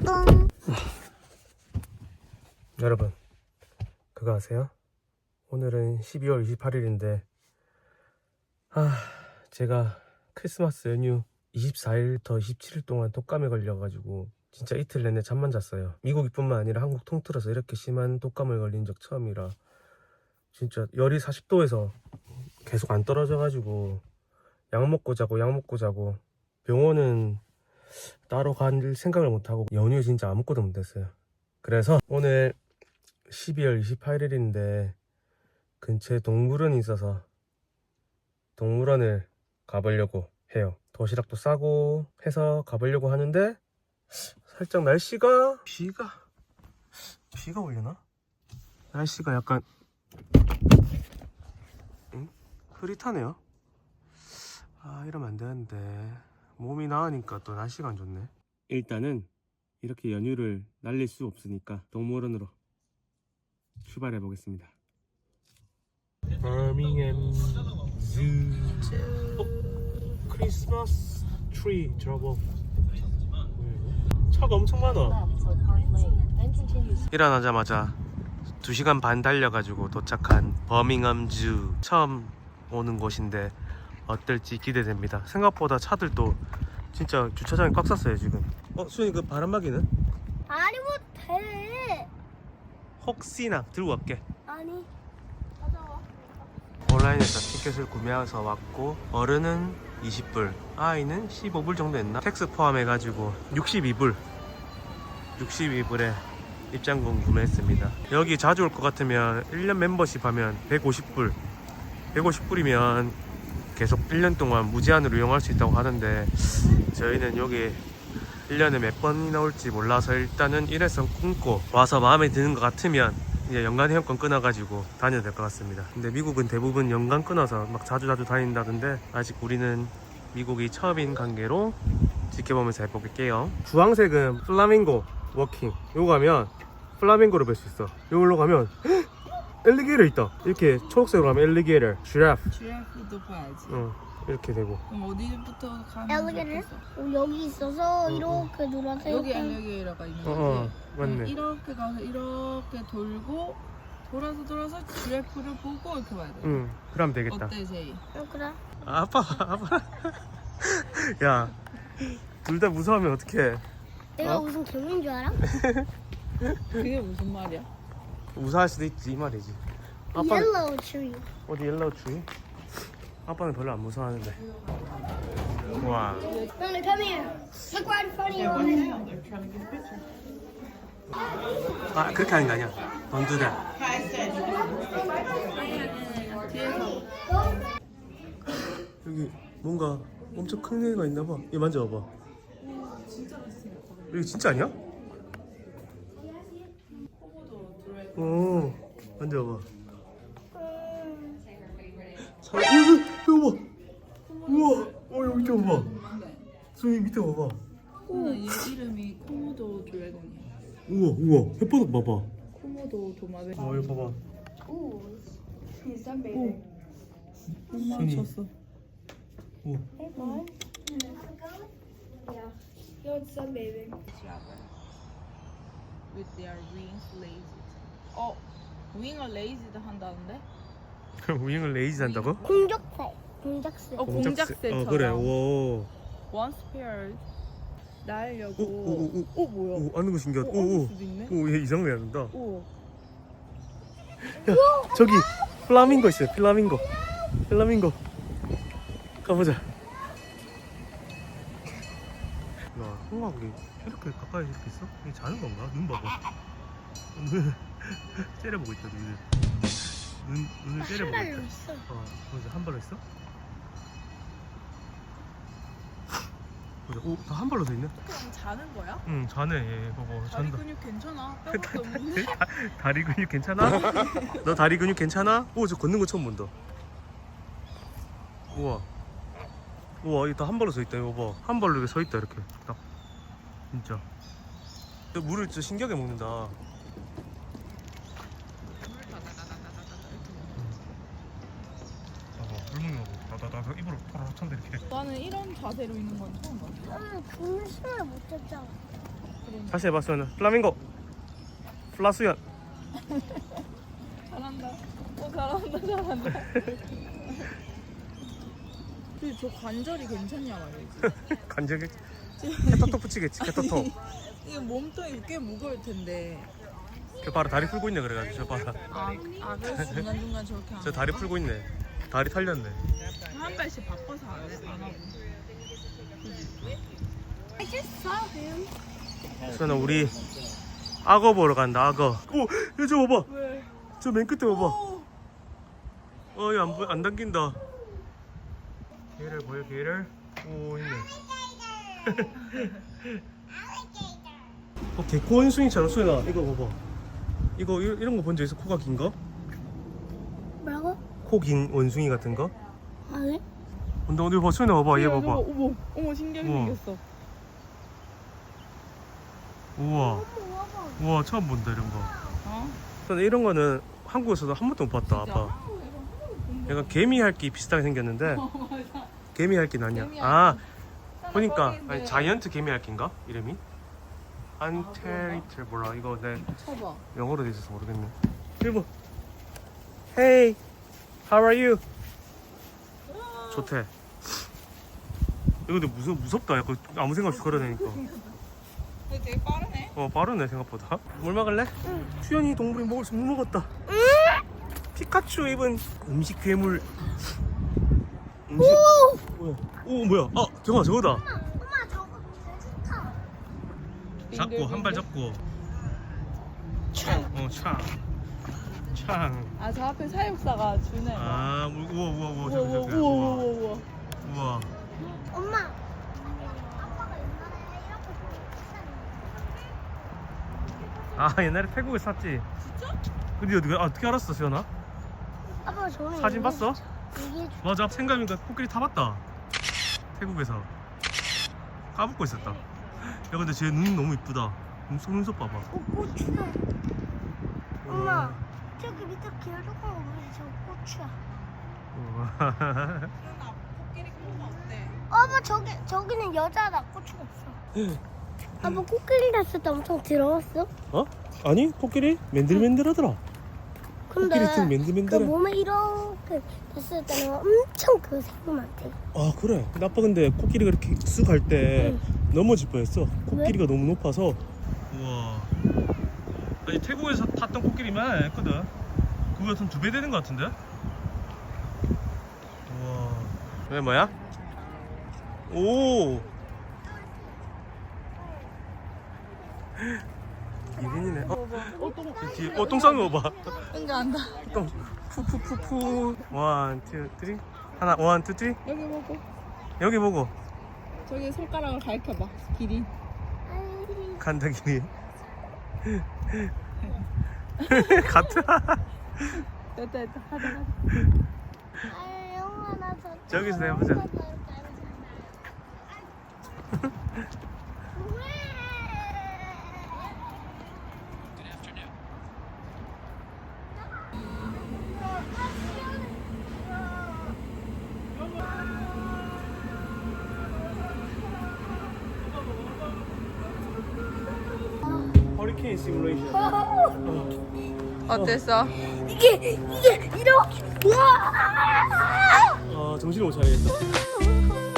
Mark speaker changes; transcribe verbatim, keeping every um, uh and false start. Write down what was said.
Speaker 1: 뿡.
Speaker 2: 여러분, 그거 아세요? 오늘은 십이월 이십팔일인데 아, 제가 크리스마스 연휴 이십사일부터 이십칠일 동안 독감에 걸려가지고 진짜 이틀 내내 잠만 잤어요. 미국뿐만 아니라 한국 통틀어서 이렇게 심한 독감을 걸린 적 처음이라 진짜 열이 사십도에서 계속 안 떨어져가지고 약 먹고 자고 약 먹고 자고 병원은 따로 갈 생각을 못하고 연휴에 진짜 아무것도 못했어요. 그래서 오늘 십이월 이십팔일인데 근처에 동물원이 있어서 동물원을 가보려고 해요. 도시락도 싸고 해서 가보려고 하는데 살짝 날씨가 비가 비가 오려나? 날씨가 약간 응? 흐릿하네요. 아, 이러면 안 되는데 몸이 나으니까 또 날씨가 안 좋네. 일단은 이렇게 연휴를 날릴 수 없으니까 동물원으로 출발해 보겠습니다. 버밍엄 zoo. 어? 크리스마스 트리 저거 차가 엄청 많아. 일어나자마자 두 시간 반 달려가지고 도착한 버밍엄 zoo. 처음 오는 곳인데 어떨지 기대됩니다. 생각보다 차들도 진짜 주차장이 꽉 찼어요 지금. 어? 수현이 그 바람막이는?
Speaker 1: 아니 못해.
Speaker 2: 혹시나 들고 갈게.
Speaker 1: 아니 가져와.
Speaker 2: 온라인에서 티켓을 구매해서 왔고 어른은 이십불, 아이는 십오불 정도 했나? 텍스 포함해가지고 육십이불 육십이불에 입장권 구매했습니다. 여기 자주 올 것 같으면 일 년 멤버십 하면 백오십불 백오십불이면 계속 일 년 동안 무제한으로 이용할 수 있다고 하는데 저희는 여기 일 년에 몇 번이나 올지 몰라서 일단은 일회성 끊고 와서 마음에 드는 것 같으면 이제 연간 회원권 끊어가지고 다녀도 될 것 같습니다. 근데 미국은 대부분 연간 끊어서 막 자주자주 다닌다던데 아직 우리는 미국이 처음인 관계로 지켜보면서 해볼게요. 주황색은 플라밍고 워킹. 요거 가면 플라밍고를 볼 수 있어. 요걸로 가면 엘리게이터 있다. 이렇게 초록색으로 가면 엘리게이터, 지라프.
Speaker 3: 지라프도 봐야지.
Speaker 2: 응, 이렇게 되고.
Speaker 3: 그럼 어디부터 가는
Speaker 1: 엘리게이터? 어, 여기 있어서
Speaker 2: 어,
Speaker 1: 이렇게 노란색.
Speaker 3: 여기 엘리게이터가 있는
Speaker 2: 어,
Speaker 3: 거지.
Speaker 2: 어, 맞네.
Speaker 3: 그럼 이렇게 가서 이렇게 돌고 돌아서 돌아서 지라프를 보고 이렇게 봐야 돼.
Speaker 2: 응, 그럼 되겠다.
Speaker 3: 어때 제이?
Speaker 1: 어, 그래.
Speaker 2: 아빠, 아빠. 야, 둘 다 무서워하면 어떡해.
Speaker 1: 내가
Speaker 2: 어?
Speaker 1: 무슨 개미인 줄 알아?
Speaker 3: 그게 무슨 말이야?
Speaker 2: 무사할 수도 있지 이 말이지. 아빠
Speaker 1: 옐로우 트리.
Speaker 2: 어디 옐로우 트리? 아빠는 별로 안 무서워하는데. 와.
Speaker 1: Mommy, come here. Look right in front of you.
Speaker 2: 아, 그렇게 하는 거 아니야? Don't do that. 여기 뭔가 엄청 큰 애가 있나 봐. 얘 만져봐봐. 여기 진짜 아니야? 오, 만져봐. 자, 어, 이거 봐. 우와, 어 여기 좀 봐. 소희 밑에 봐봐.
Speaker 3: 오. 얘 이름이 코모도 드래곤이야.
Speaker 2: 우와, 우와, 햇바닥 봐봐.
Speaker 3: 코모도 도마뱀.
Speaker 2: 어, 이거 봐봐.
Speaker 3: 오. 못
Speaker 2: 손이.
Speaker 3: 맞췄어.
Speaker 2: 우와.
Speaker 3: With their wings lazy. 어, wing을 lazy도 한다는데?
Speaker 2: 그럼 우잉을 레이지 한다고?
Speaker 1: 공작새. 공작새.
Speaker 3: 어, 공작새처럼.
Speaker 2: 어, 그래. 오.
Speaker 3: Once paired. 날려고.
Speaker 2: 오, 오, 오,
Speaker 3: 오, 뭐야?
Speaker 2: 오, 아는 거 신기하다.
Speaker 3: 오,
Speaker 2: 오,
Speaker 3: 앉을
Speaker 2: 오.
Speaker 3: 수도 있네.
Speaker 2: 오, 얘 이상하게 한다.
Speaker 3: 오.
Speaker 2: 야, 저기 플라밍고 있어요. 플라밍고. 플라밍고. 가보자. 야, 홍학이 이렇게 가까이 이렇게 있어? 이게 자는 건가? 눈 봐봐. 눈 째려보고 있다. 눈을. 눈 눈을 째려보고
Speaker 1: 한
Speaker 2: 있다.
Speaker 1: 발로 있어.
Speaker 2: 어, 보자. 한 발로 있어? 보자. 오, 다 한 발로 서 있네.
Speaker 3: 그냥 자는 거야?
Speaker 2: 응, 자네. 얘 봐봐.
Speaker 3: 다리
Speaker 2: 잔다.
Speaker 3: 근육 괜찮아? 뼈밖에 없는데?
Speaker 2: 다리 근육 괜찮아? 너 다리 근육 괜찮아? 오, 저 걷는 거 처음 본다. 우와. 우와, 이거 다 한 발로 서 있다. 이거 봐. 한 발로 이렇게 서 있다. 이렇게 딱. 진짜. 저 물을 진짜 신기하게 먹는다. 봐봐, 물 먹는 거 봐. 나나나 입으로 털어 찬다 이렇게.
Speaker 3: 나는 이런 자세로 있는 건 처음 봤어.
Speaker 1: 아, 그물 심을 못 쳤잖아.
Speaker 2: 다시 해봐 수연아. 플라밍고. 플라수연.
Speaker 3: 잘한다. 어 잘한다 잘한다. 근데 저 관절이 괜찮냐 말이지.
Speaker 2: 간절히 개떡톡 붙이겠지. 개떡톡.
Speaker 3: 이게 몸통이 꽤 무거울 텐데.
Speaker 2: 저 봐라 다리 풀고 있네 그래가지고 저 봐라.
Speaker 3: 아, 아 그래서 중간중간 저렇게 하는
Speaker 2: 저 다리
Speaker 3: 거야?
Speaker 2: 풀고 있네. 다리 탈렸네.
Speaker 3: 한 발씩 바꿔서 안, 해, 안 하고.
Speaker 1: I just saw him.
Speaker 2: 수연아 우리 악어 보러 간다 악어. 오, 얘저 봐봐.
Speaker 3: 왜?
Speaker 2: 저 맨 끝에 봐봐.
Speaker 3: 오!
Speaker 2: 어, 이거 안, 보- 안 당긴다. 개를 보여, 개를? 오, 있네. 어, 개코 원숭이처럼 수연아, 이거 봐봐. 이거, 이- 이런 거 본 적 있어? 코가 긴 거?
Speaker 1: 뭐라고?
Speaker 2: 코 긴 원숭이 같은 거?
Speaker 1: 아니?
Speaker 2: 근데 어디 봐, 수연아 봐봐, 얘
Speaker 3: 저거,
Speaker 2: 봐봐.
Speaker 3: 어머, 어머 신기하게
Speaker 2: 우와.
Speaker 3: 생겼어.
Speaker 2: 우와, 우와, 처음 본다, 이런 거.
Speaker 3: 어?
Speaker 2: 수연아, 이런 거는 한국에서도 한 번도 못 봤다, 아빠. 약간 개미 할기 비슷하게 생겼는데, 개미 할기는 아니야.
Speaker 3: 개미
Speaker 2: 아,
Speaker 3: 할기.
Speaker 2: 보니까
Speaker 3: 하나
Speaker 2: 아니,
Speaker 3: 꺼내는데.
Speaker 2: 자이언트 개미 할기인가? 이름이? 안테리트 뭐라 이거 내
Speaker 3: 쳐봐.
Speaker 2: 영어로 돼 있어서 모르겠네. 일본. Hey, how are you? 좋대. 이거 근데 무섭 무섭다. 약간 아무 생각 없이 걸어다니까.
Speaker 3: 근데 되게 빠르네.
Speaker 2: 어 빠르네 생각보다. 물 먹을래? 응. 수연이 동물이 먹을 수 물 먹었다. 응? 피카츄 입은 음식 괴물. 음식. 뭐야? 오 뭐야? 아 경아 저거다.
Speaker 1: 엄마 저거 되게 좋다.
Speaker 2: 잡고 한 발 잡고. 어 창. 창.
Speaker 3: 아 저 앞에 사육사가 주네.
Speaker 2: 아 우- 우와 우와 우와
Speaker 3: 우와
Speaker 2: 저기
Speaker 3: 우와
Speaker 2: 저기
Speaker 3: 우와
Speaker 2: 우와
Speaker 3: 우와 우와.
Speaker 2: 우와.
Speaker 1: 엄마. 아빠가 옛날에 이렇게
Speaker 2: 아 옛날에 태국에 샀지.
Speaker 3: 진짜?
Speaker 2: 근데 어떻게, 아, 어떻게 알았어 수연아?
Speaker 1: 아빠 저는
Speaker 2: 사진 봤어?
Speaker 1: 이게
Speaker 2: 맞아 생각해보니까 코끼리 타봤다. 태국에서 까먹고 있었다. 야 근데 쟤 눈 너무 이쁘다. 눈썹 눈썹 봐봐.
Speaker 1: 고추야. 엄마 저기 밑에 길쭉한 거 보이지? 저 고추야.
Speaker 2: 우와.
Speaker 3: 수연아 코끼리 코가 어때?
Speaker 1: 아빠 저기 저기는 여자다. 고추가 없어. 아빠 코끼리 났을 때 엄청 더러웠어?
Speaker 2: 어? 아니 코끼리 맨들맨들하더라.
Speaker 1: 근데
Speaker 2: 코끼리 등
Speaker 1: 그
Speaker 2: 맨들맨들해.
Speaker 1: 몸에 이렇게 됐을 때는 엄청 그 생금한테.
Speaker 2: 아 그래. 근데 아빠 근데 코끼리가 이렇게 쓱 갈 때 넘어질 뻔했어. 코끼리가 너무 높아서. 우와. 아니 태국에서 탔던 코끼리만 했거든. 그거 같은 두 배 되는 것 같은데? 우와. 왜 뭐야? 오. 이린이네. 어,
Speaker 3: 어 똥.
Speaker 2: 뒤에 어, 똥 싸는 거 봐.
Speaker 3: 응가 안다.
Speaker 2: 똥. 푸푸푸푸. 원, 투, 쓰리. 하나, 원, 투, 쓰리.
Speaker 3: 여기 보고.
Speaker 2: 여기 보고.
Speaker 3: 저기 손가락을 가리켜봐. 길이.
Speaker 2: 간다 길이. 같아.
Speaker 3: 됐다 됐다. 하자 하자.
Speaker 1: 아, 영화 나 저.
Speaker 2: 저기서 해보자. 허리케인 시뮬레이션.
Speaker 3: 어땠어?
Speaker 1: 이게 이게 이렇게 우와!
Speaker 2: 아 정신을 못 차리겠다.